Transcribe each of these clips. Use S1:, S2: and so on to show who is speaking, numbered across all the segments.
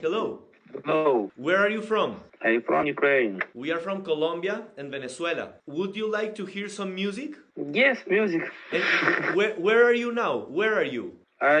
S1: Hello.
S2: Hello,
S1: Where are you from?
S2: I'm from Ukraine.
S1: We are from Colombia and Venezuela. Would you like to hear some music?
S2: Yes, music.
S1: And where are you now? Where are you?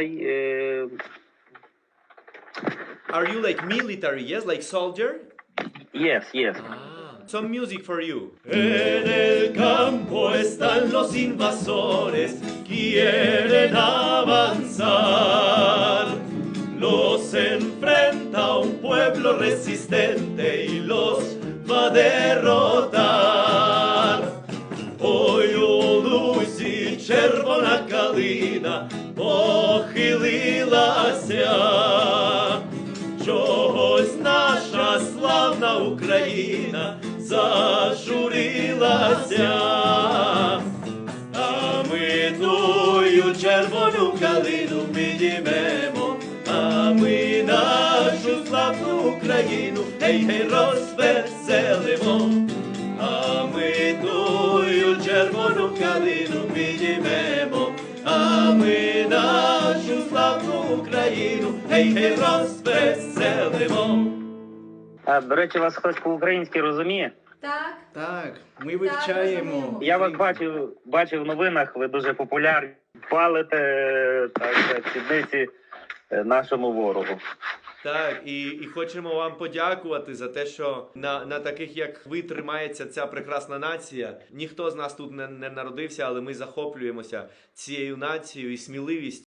S1: Are you like military? Yes, like soldier?
S2: Yes.
S1: Some music for you. En el campo están los invasores, quieren avanzar. Los enfrenta un pueblo resistente y los va a derrotar. Ой, у лузі червона калина похилилася. Чогось наша славна Україна зажурилася, а ми тую червону калину підіймемо, а ми нашу славну Україну, гей, розвеселимо, а ми тую червону калину підіймемо, а ми нашу славну Україну, гей, розвеселимо.
S2: А, до речі, вас хтось по-українськи розуміє?
S3: Так.
S4: Так, ми вивчаємо.
S3: розуміємо.
S2: Я вас бачив в новинах, ви дуже популярні. Палите так, сідниці нашому ворогу.
S1: Так, і хочемо вам подякувати за те, що на таких, як ви, тримається ця прекрасна нація. Ніхто з нас тут не народився, але ми захоплюємося цією нацією і сміливістю.